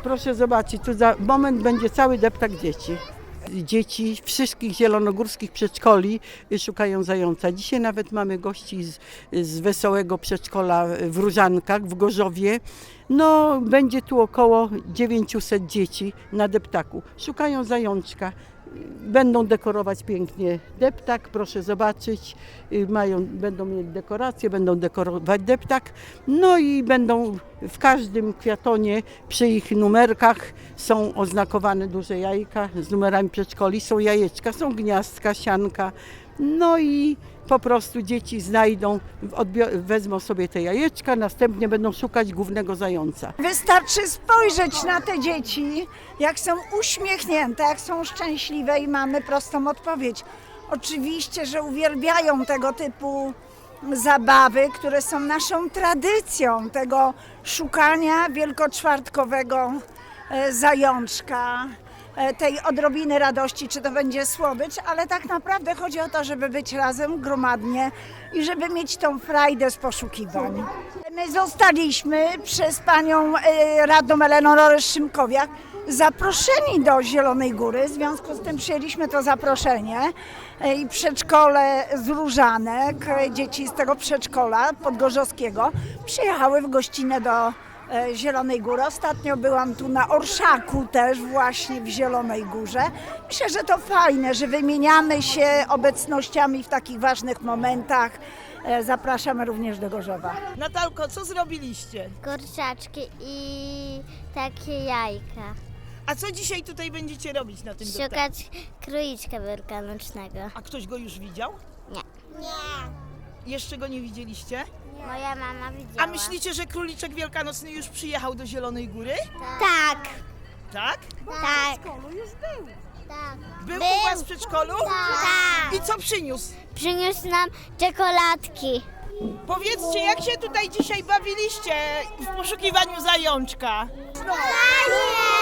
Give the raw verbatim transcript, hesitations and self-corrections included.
Proszę zobaczyć, tu za moment będzie cały deptak dzieci. Dzieci wszystkich zielonogórskich przedszkoli szukają zająca. Dzisiaj nawet mamy gości z, z wesołego przedszkola w Różankach, w Gorzowie. No, będzie tu około dziewięćset dzieci na deptaku. Szukają zajączka. Będą dekorować pięknie deptak, proszę zobaczyć, mają, będą mieć dekoracje, będą dekorować deptak, no i będą w każdym kwiatonie przy ich numerkach są oznakowane duże jajka z numerami przedszkoli, są jajeczka, są gniazdka, sianka, no i po prostu dzieci znajdą, wezmą sobie te jajeczka, następnie będą szukać głównego zająca. Wystarczy spojrzeć na te dzieci, jak są uśmiechnięte, jak są szczęśliwe i mamy prostą odpowiedź. Oczywiście, że uwielbiają tego typu zabawy, które są naszą tradycją, tego szukania wielkoczwartkowego zajączka, tej odrobiny radości, czy to będzie słodycz, ale tak naprawdę chodzi o to, żeby być razem gromadnie i żeby mieć tą frajdę z poszukiwań. My zostaliśmy przez panią radną Eleonorę Szymkowiak zaproszeni do Zielonej Góry, w związku z tym przyjęliśmy to zaproszenie i przedszkole z Różanek, dzieci z tego przedszkola podgorzowskiego przyjechały w gościnę do Zielonej Góry. Ostatnio byłam tu na Orszaku też właśnie w Zielonej Górze. Myślę, że to fajne, że wymieniamy się obecnościami w takich ważnych momentach. Zapraszamy również do Gorzowa. Natalko, co zrobiliście? Kurczaczki i takie jajka. A co dzisiaj tutaj będziecie robić na tym deptaku? Szukać króliczka wielkanocnego. A ktoś go już widział? Nie. Nie. Jeszcze go nie widzieliście? Moja mama widziała. A myślicie, że króliczek wielkanocny już przyjechał do Zielonej Góry? Tak. Tak? Tak. Tak. Był, Był. u was w przedszkolu? Tak. I co przyniósł? Przyniósł nam czekoladki. Powiedzcie, jak się tutaj dzisiaj bawiliście w poszukiwaniu zajączka? Fajnie!